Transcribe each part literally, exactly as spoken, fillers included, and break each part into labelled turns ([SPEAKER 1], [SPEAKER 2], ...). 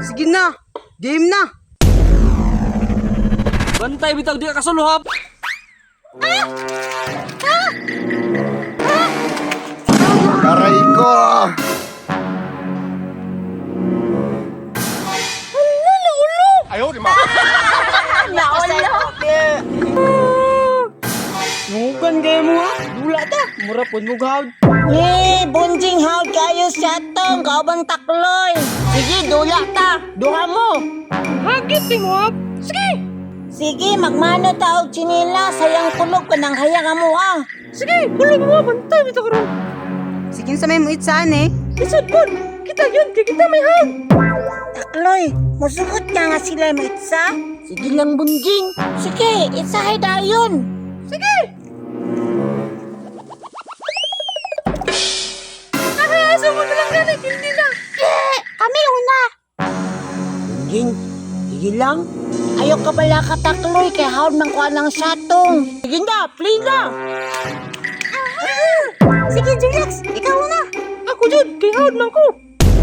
[SPEAKER 1] Sige na. Game na.
[SPEAKER 2] Bantay bitaw di ka kasuluhap.
[SPEAKER 3] Aray ko!
[SPEAKER 1] Nukan kayo mo ha. Dula ta. Mura po mo gahawd.
[SPEAKER 4] Eh, bunjing hawd kayo sa tong kaubang takloy. Sige, dula ta. Duha mo.
[SPEAKER 1] Hagit mo ha. Sige.
[SPEAKER 4] Sige, magmano ta og chinila. Sayang kulog ka ng hayang mo ah.
[SPEAKER 1] Sige. Kulog mo. Bantay bitaw karon. Sige sa may muit saan eh.
[SPEAKER 4] Isod po. Kita yun. Kita may hawd. Takloy, musugot ka nga sila mo itsa. Sige lang, bunjing. Sige, itsahay dayon.
[SPEAKER 1] Sige. Nakayasa mo na lang ganit. Hindi na.
[SPEAKER 4] Eh, kami una. Bunjing, sige lang. Ayaw ka bala ka takloy kay hawd man ko ng satong. Sige na, play na. Sige, Julex, ikaw na.
[SPEAKER 1] Ako jud. Kay hawd man ko.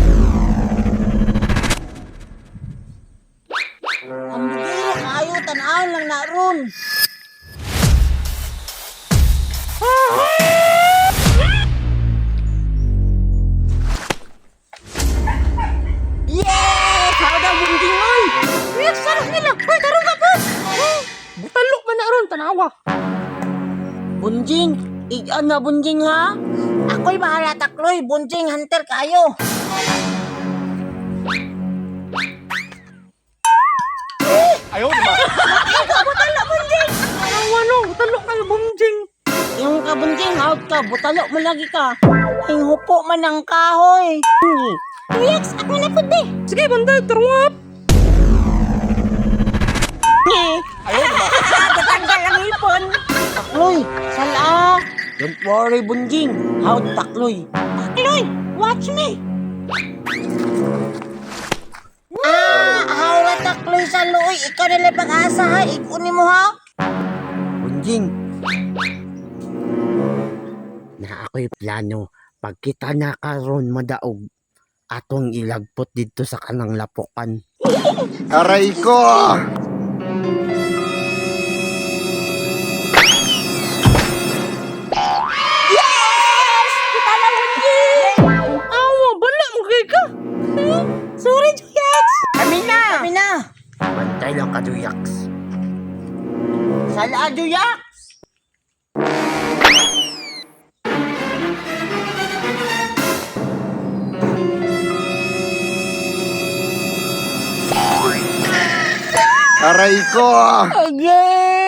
[SPEAKER 4] Ang bigay kayo, tanaw lang na ron. Yeah! Hawd ang bunjing oy.
[SPEAKER 1] Yes, sarap nila. Hoy, tarong ka po. Butalo man na ron. Tanawa.
[SPEAKER 4] Bunjing, iyan na bunjing ha. Ako'y bahala takloy, bunjing hunter kayo.
[SPEAKER 1] Tanawa no. Butalo kayo bunjing.
[SPEAKER 4] Yung kabunjing, out ka, butalo mo lagi ka. Yung hupo man ang kahoy. Relax, ako na po di.
[SPEAKER 1] Sige, bantay. Tarong
[SPEAKER 4] Ayaw ba? Tatanggal ang ipon. Takloy, sala. Don't worry, bunjing. Out, takloy. Takloy, watch me. Ah, hawra takloy sa luoy. Ikaw nila pag-asa ha. Ikunin mo ha.
[SPEAKER 5] Bunjing. Na ako'y plano. Pag kita na karon madaog, atong ilagpot dito sa kanang lapukan.
[SPEAKER 3] Aray ko!
[SPEAKER 4] Yes! Kita na bunjing!
[SPEAKER 1] Awa, bala mo kay ka.
[SPEAKER 4] Sorry, Juliet! Kami na! Kami na!
[SPEAKER 5] Bantay lang ka, Duyaks.
[SPEAKER 4] Sala, Juliet!
[SPEAKER 3] Aray ko!
[SPEAKER 4] Again!